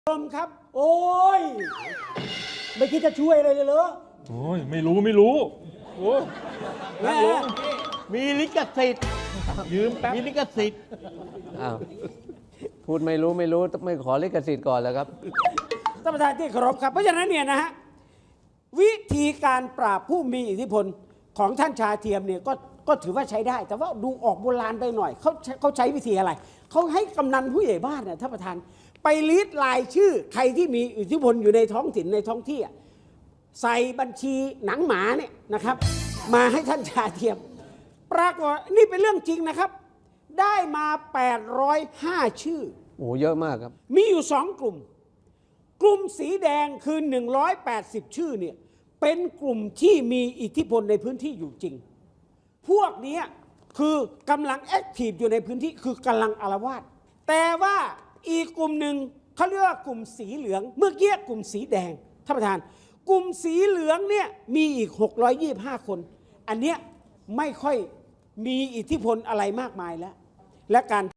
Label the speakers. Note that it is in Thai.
Speaker 1: ชมครับโอ้ยไม่คิดจะช่วยอะไรเลยเหรอ
Speaker 2: โอ้ยไม่รู้โอ้
Speaker 1: แม่
Speaker 3: มีลิขสิทธิ์
Speaker 2: ยืมแป๊บ
Speaker 3: มีลิขสิทธิ์
Speaker 4: อ้าวพูดไม่รู้ไม่ขอลิขสิทธิ์ก่อนแล้วครับ
Speaker 1: ท่านประธานที่เคารพครับเพราะฉะนั้นเนี่ยนะฮะวิธีการปราบผู้มีอิทธิพลของท่านชาเทียมเนี่ยก็ถือว่าใช้ได้ แต่ว่าดูออกโบราณไปหน่อยเขาใช้วิธีอะไรเขาให้กำนันผู้ใหญ่บ้านเนี่ยท่านประธานไปลิสต์รายชื่อใครที่มีอิทธิพลอยู่ในท้องถิ่นในท้องที่ใส่บัญชีหนังหมาเนี่ยนะครับมาให้ท่านชาเทียมปรากฏนี่เป็นเรื่องจริงนะครับได้มา805ชื่อ
Speaker 4: โอ้เยอะมากครับ
Speaker 1: มีอยู่2กลุ่มกลุ่มสีแดงคือ180ชื่อเนี่ยเป็นกลุ่มที่มีอิทธิพลในพื้นที่อยู่จริงพวกนี้คือกำลังแอคทีฟอยู่ในพื้นที่คือกำลังอาละวาดแต่ว่าอีกกลุ่มหนึ่งเขาเรียกว่ากลุ่มสีเหลืองเมื่อกี้กลุ่มสีแดงท่านประธานกลุ่มสีเหลืองเนี่ยมีอีก625คนอันเนี้ยไม่ค่อยมีอิทธิพลอะไรมากมายแล้วและการ